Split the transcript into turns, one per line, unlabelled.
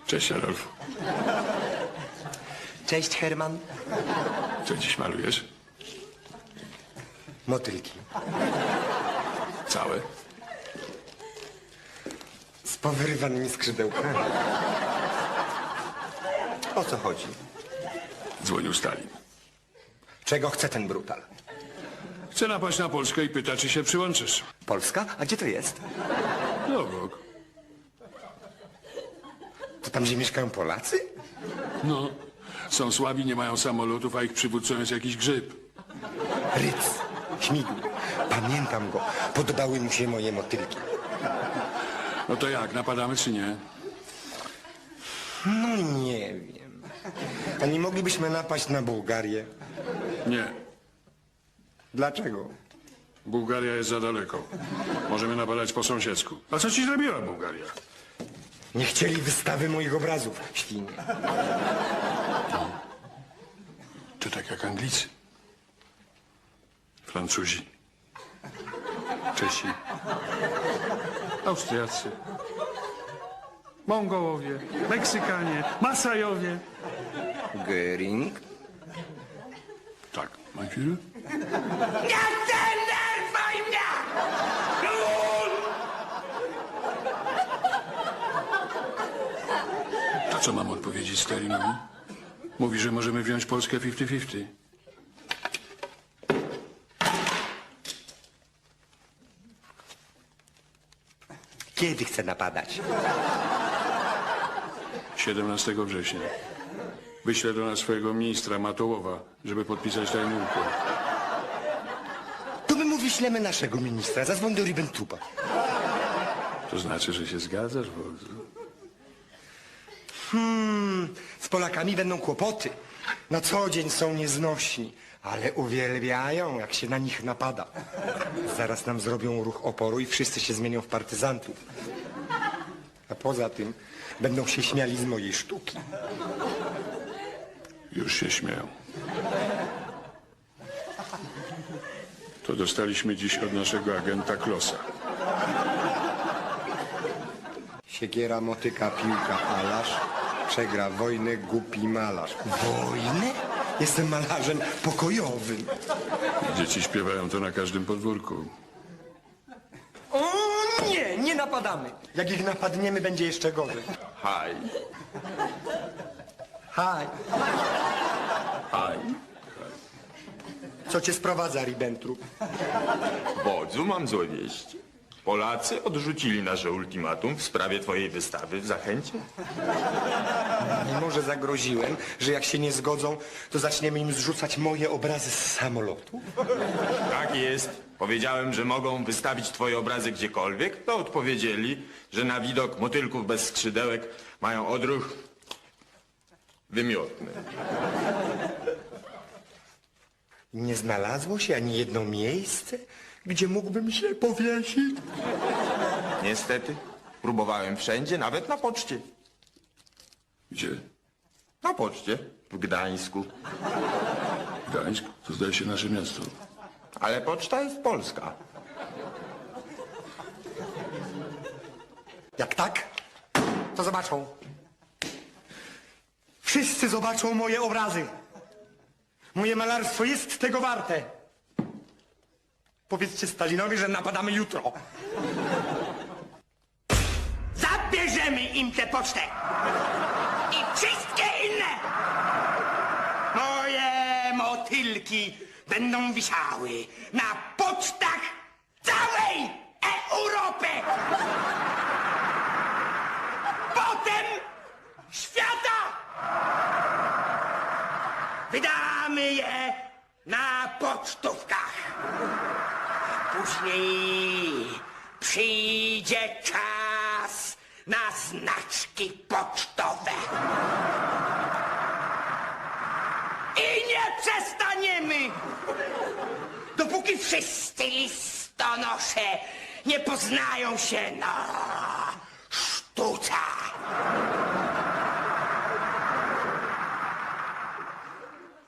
Cześć, Adolf.
Cześć, Herman.
Co dziś malujesz?
Motylki.
Całe?
Z powyrywanymi skrzydełkami. O co chodzi?
Dzwonił Stalin.
Czego chce ten brutal?
Chce napaść na Polskę i pyta, czy się przyłączysz.
Polska? A gdzie to jest?
No bok.
To tam, gdzie mieszkają Polacy?
No. Są słabi, nie mają samolotów, a ich przywódcą jest jakiś grzyb.
Ryc. Śmigł. Pamiętam go. Podobały mu się moje motylki.
No to jak, napadamy czy nie?
No nie wiem. A nie moglibyśmy napaść na Bułgarię?
Nie.
Dlaczego?
Bułgaria jest za daleko. Możemy napadać po sąsiedzku. A co ci zrobiła Bułgaria?
Nie chcieli wystawy moich obrazów, świnie.
To tak jak Anglicy. Francuzi. Czesi. Austriacy. Mongołowie. Meksykanie. Masajowie.
Göring?
Tak, mein Führer?
Nie denerwuj mnie!
To co mam odpowiedzieć Stalinowi? Mówi, że możemy wziąć Polskę 50-50.
Kiedy chce napadać?
17 września. Wyślę do nas swojego ministra Matołowa, żeby podpisać tajny układ.
To my mu wyślemy naszego ministra. Zadzwoń do Ribbentropa.
To znaczy, że się zgadzasz, wodzu?
Z Polakami będą kłopoty. Na co dzień są nieznośni, ale uwielbiają, jak się na nich napada. Zaraz nam zrobią ruch oporu i wszyscy się zmienią w partyzantów. A poza tym będą się śmiali z mojej sztuki.
Już się śmieją. To dostaliśmy dziś od naszego agenta Klosa.
Siekiera, motyka, piłka, alarz. Przegra wojnę głupi malarz. Wojnę? Jestem malarzem pokojowym.
Dzieci śpiewają to na każdym podwórku.
O nie, nie napadamy. Jak ich napadniemy, będzie jeszcze gorzej.
Haj,
Haj,
haj.
co cię sprowadza, Ribbentrop?
Wodzu, mam złe wieści. Polacy odrzucili nasze ultimatum w sprawie twojej wystawy w Zachęcie.
Mimo że zagroziłem, że jak się nie zgodzą, to zaczniemy im zrzucać moje obrazy z samolotu.
Tak jest. Powiedziałem, że mogą wystawić twoje obrazy gdziekolwiek, to odpowiedzieli, że na widok motylków bez skrzydełek mają odruch wymiotny.
Nie znalazło się ani jedno miejsce, gdzie mógłbym się powiesić.
Niestety, próbowałem wszędzie, nawet na poczcie.
Gdzie?
Na poczcie w Gdańsku.
Gdańsk? To zdaje się nasze miasto.
Ale poczta jest polska.
Jak tak, to zobaczą. Wszyscy zobaczą moje obrazy. Moje malarstwo jest tego warte. Powiedzcie Stalinowi, że napadamy jutro.
Zabierzemy im tę pocztę! I wszystkie inne! Moje motylki będą wisiały na pocztach całej Europy! Potem świata! Wydamy je na pocztówkach. Później przyjdzie czas na znaczki pocztowe. I nie przestaniemy, dopóki wszyscy listonosze nie poznają się na sztuce.